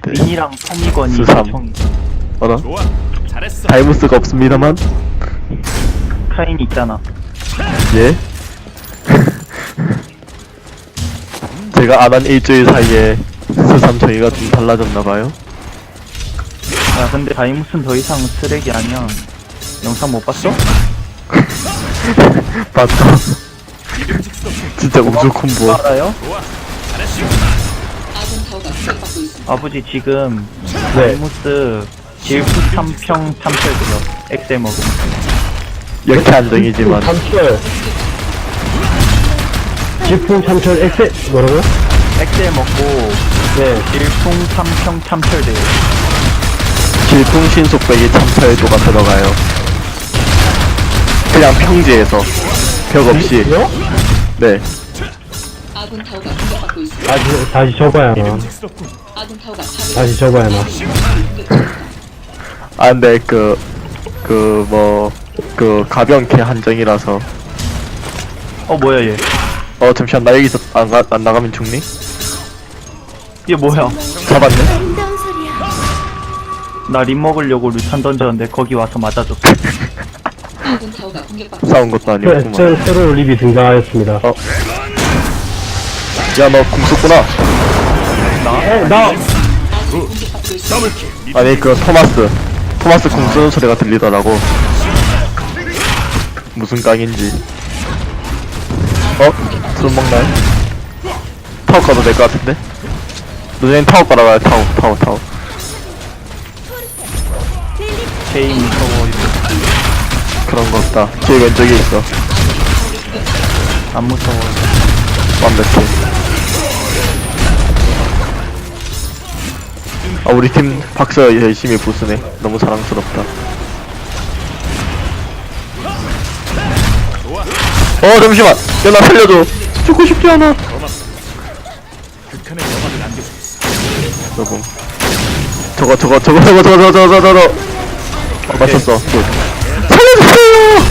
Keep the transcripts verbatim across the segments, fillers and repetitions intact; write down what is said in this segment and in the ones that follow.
민이랑 토미건이 수삼. 총이. 어라? 좋아, 잘했어. 다이무스가 없습니다만. 카인이 있잖아. 예? 제가 안 한 일주일 사이에 스삼 저희가 좀 달라졌나봐요. 야 근데 다이무스는 더 이상 쓰레기 아니야. 영상 못 봤어? 맞다. 진짜 우주 콤보. 알아요? 좋아, 잘했어. 아버지 지금 네. 다이무스 질풍 삼평 참철 들어. 엑셀 먹음. 이렇게 안정이지만 참철 질풍 참철 엑셀 뭐라고요? 엑셀 먹고 네 질풍 삼평 참철 돼요. 질풍 신속백이 참철도가 들어가요. 그냥 평지에서 벽 없이. 요? 네. 아군 타워가 공격받고 있습니다. 다시 다시 접어야 하나 직스럽군. 아군 타워가 파괴. 다시 접어야 하나 아 근데 그 그 뭐 그 가변캐 한정이라서. 어 뭐야 얘? 어 잠시만 나 여기서 안, 가, 안 나가면 죽니? 얘 뭐야? 잡았네? 나 림 먹으려고 루탄 던졌는데 거기 와서 맞아줬어. 아군 타워가 공격받고 싸운 것도 새, 아니었구만. 새, 새로운 립이 등장하였습니다 어. 야 너 궁 쏘구나. 어, 나 공격받고 있습니다. 더블킬. 아니 그 토마스 토마스 궁 쏘는 소리가 들리더라고. 무슨 깡인지. 어? 술 먹나요? 타워 가도 될 것 같은데? 너네는 타워 깔아봐요. 타워 타워 타워. 제이 무서워. 그런 거 없다. 제 왼쪽에 있어. 안 무서워. 완벽해. 아 우리 팀 박서 열심히 부수네. 너무 자랑스럽다. 어 잠시만. 야 나 살려줘. 죽고 싶지 않아. 극한의 영화를 남겨주고 있어. 여보. 저거 저거 저거 저거 저거 저거 저거 저거. 어, 맞췄어. 굿. 살려주세요.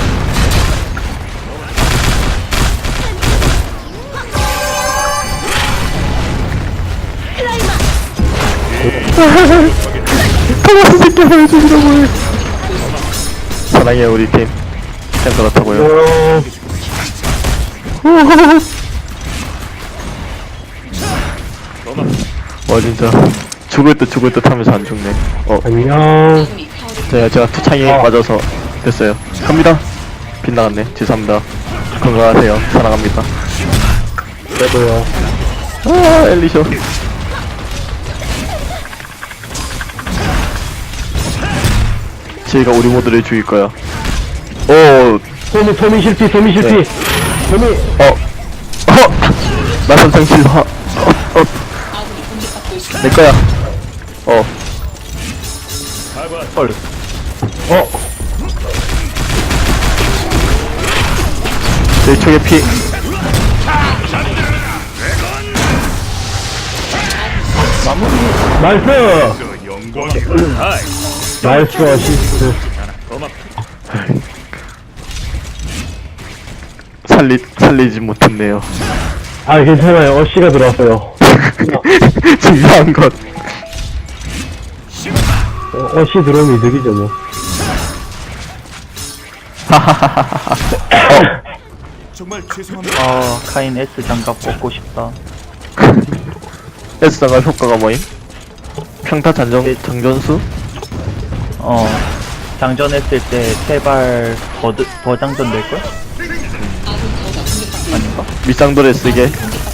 토마스 새끼 살려주시라고 해. 사랑해 우리 팀. 그냥 그렇다고요. 어, 와 진짜 죽을 듯 죽을 듯 하면서 안 죽네. 어 안녕 아군이 타워를 제가 제가 투창에 어. 맞아서 됐어요. 갑니다. 빗나갔네. 죄송합니다. 건강하세요. 사랑합니다. 저도요 아 엘리셔. 저희가 우리 모두를 죽일 거야. 오, 토미 토미 실패 토미 실패 네. 토미 어, 어, 나선상 실화. 어, 어, 아군이 공격받고 있습니다. 내 거야. 어, 헐. 어 내 쪽에 피. 나이스 그 영광의 하이. 나이스 어시스트 고맙. 살리 살리지 못했네요. 아 괜찮아요 어시가 들어왔어요 중요한 것. 어, 어시 들어오면 이득이죠 뭐 정말 죄송합니다. 아 카인 S 장갑 뽑고 싶다. S장갑 효과가 뭐임? 평타 장전 장전수? 어 장전했을 때 세발 더, 드- 더 장전될걸? 아군 타워가 공격받고 아닌가? 밑상도를 쓰게.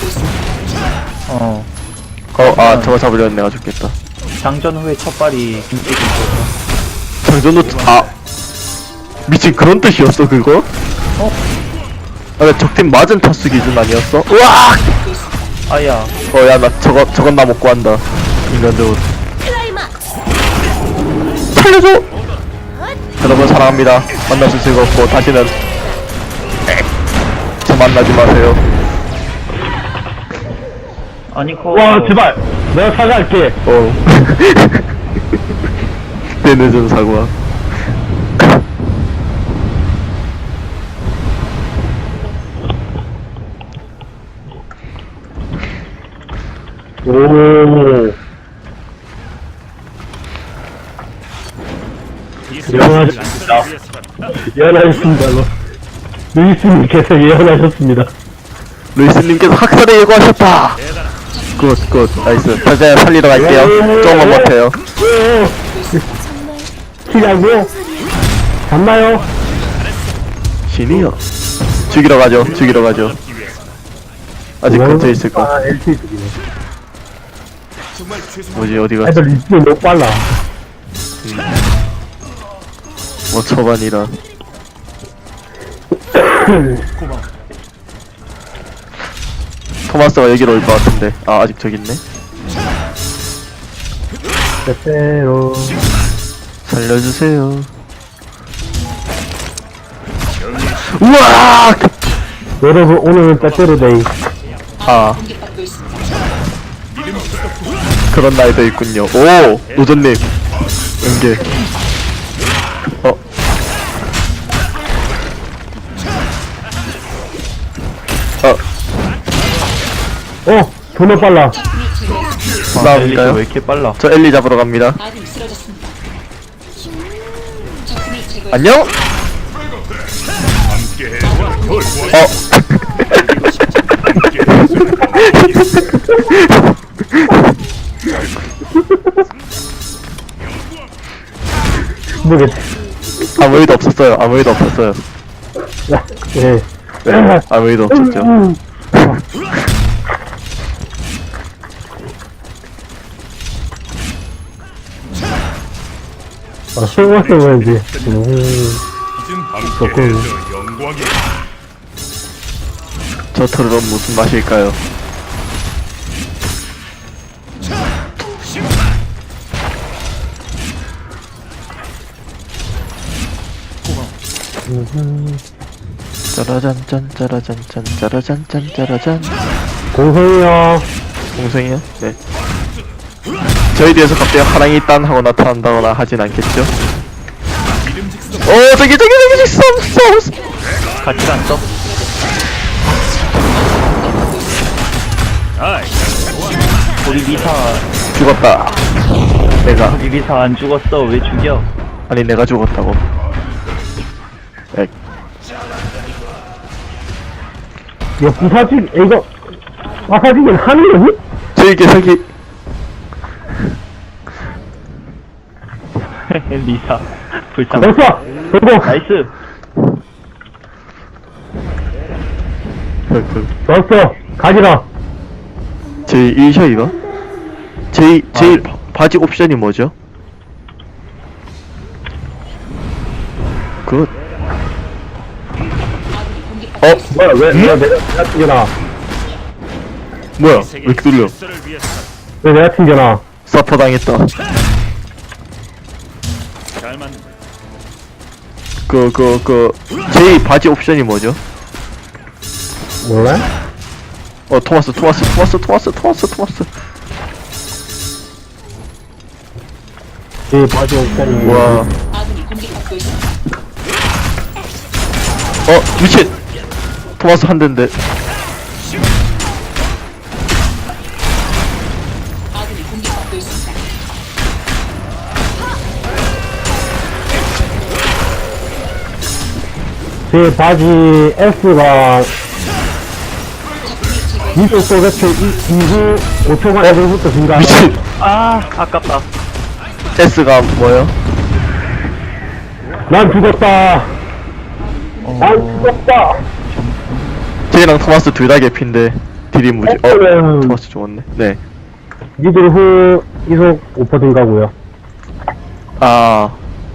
어 어, 아 저거 잡으려면 내가 죽겠다. 장전 후에 첫 발이 김치기 있어서. 장전도 아 미친 그런 뜻이었어 그거? 어? 아, 나 적팀 맞은 타수 기준 아니었어? 우와! 아야 어, 야, 나 저거, 저건 나 못 구한다. 인간들 옷. 살려줘! 여러분, 사랑합니다. 만나서 즐겁고, 다시는, 저 만나지 마세요. 아니 그 와 제발 내가 사과할게 어. 내 늦은 사과. 오 예언하셨습니다. 위해서다. 예언하셨습니다. 루이스님께서 예언하셨습니다. 루이스님께서 학살을 예고하셨다. 굿, 굿, 나이스. 자자 살리러 갈게요. 조금만 버텨요. 키라고요? 잡나요? 신이요. 죽이러 가죠. 죽이러 가죠. 아직 근처에 있을까? 아, 엘티 죽이네. 정말 죄송합니다. 뭐지 어디가? 애들 리스는 너무 빨라. 뭐 초반이라. 고마워. 토마스가 여기로 올 것 같은데. 아 아직 저기 있네. 빼빼로. 살려주세요. 우와! 여러분, 오늘은 빼빼로 데이. 아 공격받고 있습니다. 그런 날도 있군요. 오 노전님 연계. 어 어, 어, 존나 빨라. 적군을 제거했습니다. 아, 엘리가 나인가요? 왜 이렇게 빨라? 저 엘리 잡으러 갑니다. 아군이 쓰러졌습니다. 적군을 제거했습니다. 안녕? 함께해. 돌. 어 모르겠지. 아무 일도 없었어요. 아무 일도 없었어요. 예. 네, 아무 일도 없었죠. 아, 생각해봐야지. 음, 이젠 함께해서 영광이야. 저 털은 무슨 맛일까요? 짜라잔짠 짜라잔짠 짜라잔짠 짜라잔. 공성이요. 동생이요? 네. 저희 뒤에서 갑자기 하랑이 딴 하고 나타난다거나 하진 않겠죠? 어 저기 저기 저기 있어 없어 없어. 같이 안 써? 아이, 우리 미사, 죽었다. 내가 우리 미사 안 죽었어. 왜 죽여? 아니 내가 죽었다고. 엑. 이거 부사직, 이거, 마사직은 하는 거니? 저기 계속이 미사, 불쌍. 됐어! 됐고! 나이스. 그, 그. 됐어! 가지라! 제 일셔 이거? 제 제 아, 바지 옵션이 뭐죠? 굿. 어 뭐야, 왜, 왜 내가, 내가 튕겨나? 뭐야? 왜 이렇게 돌려? 질서를 위해서다. 왜 내가 튕겨나? 서퍼 당했다. 잘 맞는 거야. 그 그 그 제 바지 옵션이 뭐죠? 몰라? 어 토마스 토마스 토마스 토마스 토마스 토마스. 이 바지 옵션이. 와. 아군이 공격받고 있습니다. 어 미친. 토마스 한 대인데. 아군이 공격받고 있습니다. 제 바지 S가 이속 소개트 이후 오 초간 애들부터 증가. 미친. 아, 아깝다. S가 뭐요? 난 죽었다. 난 죽었다. 쟤랑 토마스 둘 다 개피인데 딜이 무지. 어 S는 토마스 죽었네. 네. 니들 후 이속 오 퍼센트 증가고요. 아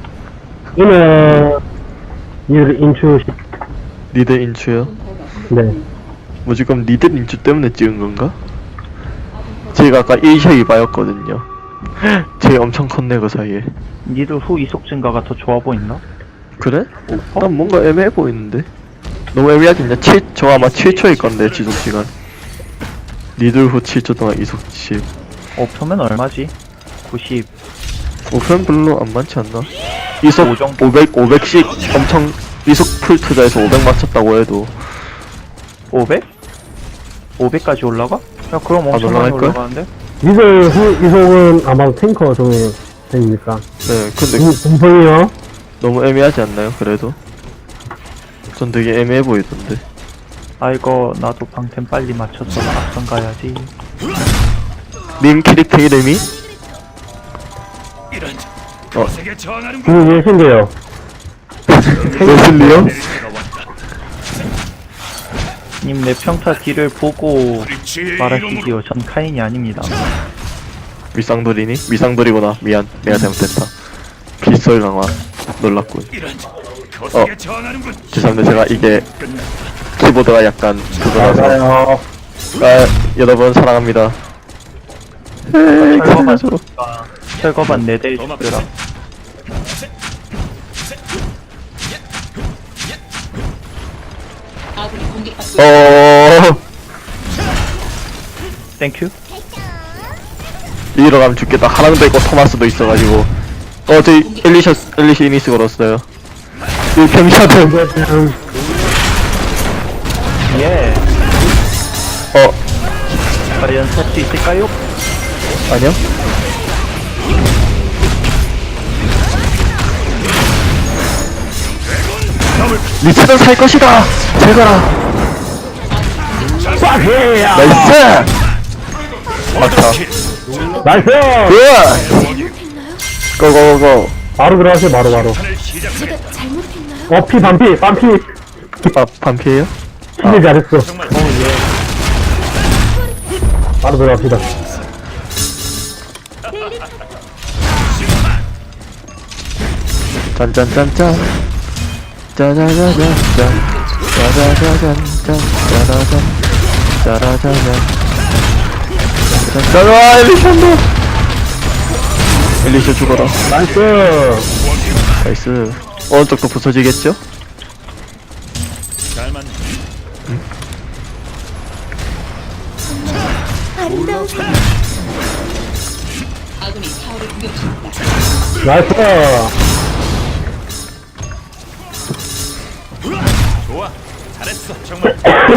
이는 니들 인추 십. 리드 인추요? 네. 뭐지 그럼 리드 인추 때문에 찍은 건가? 제가 아까 일셔 이바였거든요. 쟤 엄청 컸네 그 사이에. 니들 후 이속 증가가 더 좋아 보인다? 그래? 난 뭔가 애매해 보이는데. 너무 애매하지 않냐? 칠, 저 아마 칠 초일 건데 지속시간. 리들 후 칠 초 동안 이속 십. 어, 표면 얼마지? 구십. 오편 별로 안 많지 않나? 이속 오 정도? 오백, 오백씩 엄청 이속 풀 투자해서 오백 맞췄다고 해도 오백? 오백까지 올라가? 야, 그럼 엄청 많이 올라갈걸? 올라가는데? 니들 후 이속은 아마 탱커 중에 됩니까? 네 근데 공성이요? 너무 애매하지 않나요? 그래도 전 되게 애매해 보이던데. 아이고 나도 방템 빨리 맞춰서 앞선 가야지. 님 캐릭터 이름이? 이런 어. 세계 저항하는 그거 예신데요. 웨슬리요? 때가 왔다. 님 내 평타 딜을 보고 브릿지의 말하시지요. 이름으로 전 카인이 아닙니다. 미상돌이니? 미상돌이구나. 미안. 내가 잘못했다. 빗소리 강화. 놀랐군. 이런 거세게 어. 저항하는군. 죄송합니다. 제가 이게 키보드가 약간 그거라서. 맞아요. 아, 여러분 사랑합니다. 에이, 철거반 그래서 철거반 네 대 도망. 주라. 아군이 공격받고 있습니다. 어, 땡큐. 이리로 가면 죽겠다. 하랑도 있고 토마스도 있어가지고. 어, 저기 엘리셔 엘리시 이니스 걸었어요. 이 병샤들. 그냥 예. 어, 과연 살 수 있을까요? 아니요. 리츠는 살 것이다. 제거라. 빡해야. 나이스. 막타. 나이스. 굿. 고고고. 바로 들어가세요. 바로 바로. 판을 시작하겠다. 어, 피 반피 반피. 아, 반피에요? 진짜 잘했어. 정말 바로 들어갑시다. 짠짠짠짠. 짜자자잔짠. 짜자자잔짠. 짜라잔. 짜라자잔. 짜라 엘리션도. 엘리션 죽어라. 나이스. 나이스. 오른쪽도 부서지겠죠? 잘 맞네. 아군이 타워를 공격 중입니다. 나이스. 좋아. 잘했어. 정말.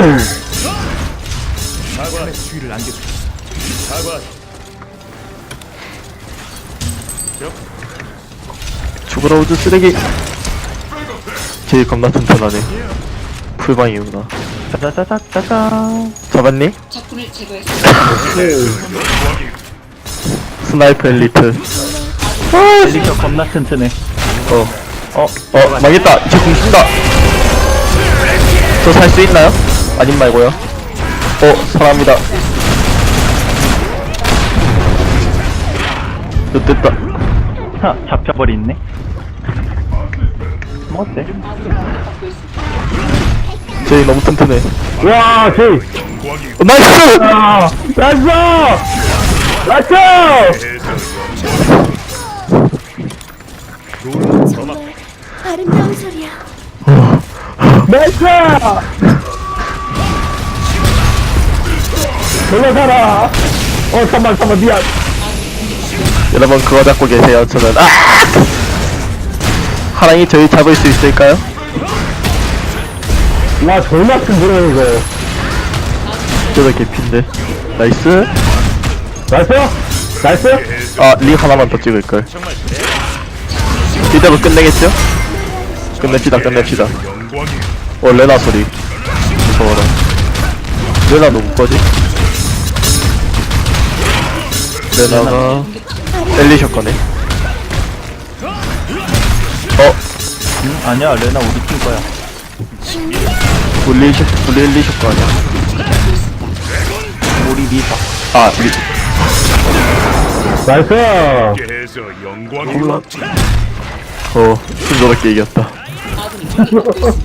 사과 주의를 안겨줬어. 사과. 죽어라 우주 쓰레기. 제일 겁나 튼튼하네. 풀방이구나. 짜자자자자자. 잡았니? 적군을 제거했습니다. 스나이퍼 엘리트. 엘리셔 겁나 튼튼해. 어. 어, 어, 망했다. 이제 공 쓴다. 저 살 수 있나요? 아님 말고요. 어, 사랑합니다. 저 됐다. 하, 잡혀버리네. 뭐 어때? 아군이 공격받고 있습니다. 제이 너무 튼튼해. 와, 제이. 어, 나이스! 아, 나이스. 나이스. 아름다운 소리야. 나이스. 돌려가라. 어, 잠만, 잠만, 미안. 여러분 그거 잡고 계세요. 저는 아! 하랑이 저희 잡을 수 있을까요? 와, 졸라 큰 거네, 이거. 저도 개피인데. 나이스. 나이스. 나이스. 아, 리 하나만 더 찍을걸. 이대로 끝내겠죠? 끝냅시다, 끝냅시다. 영광이. 어, 레나 소리. 무서워라. 레나 누구 거지? 레나가 엘리셔 거네. 어, 응? 아니야 레나 우리 팀 거야. 우리 엘리셔, 우리 엘리셔 거 아니야? 우리 리사. 아, 리, 나이스. 해서 영광이. 콜라. 어, 순조롭게 이겼다. 아군이 공격받고 있습니다.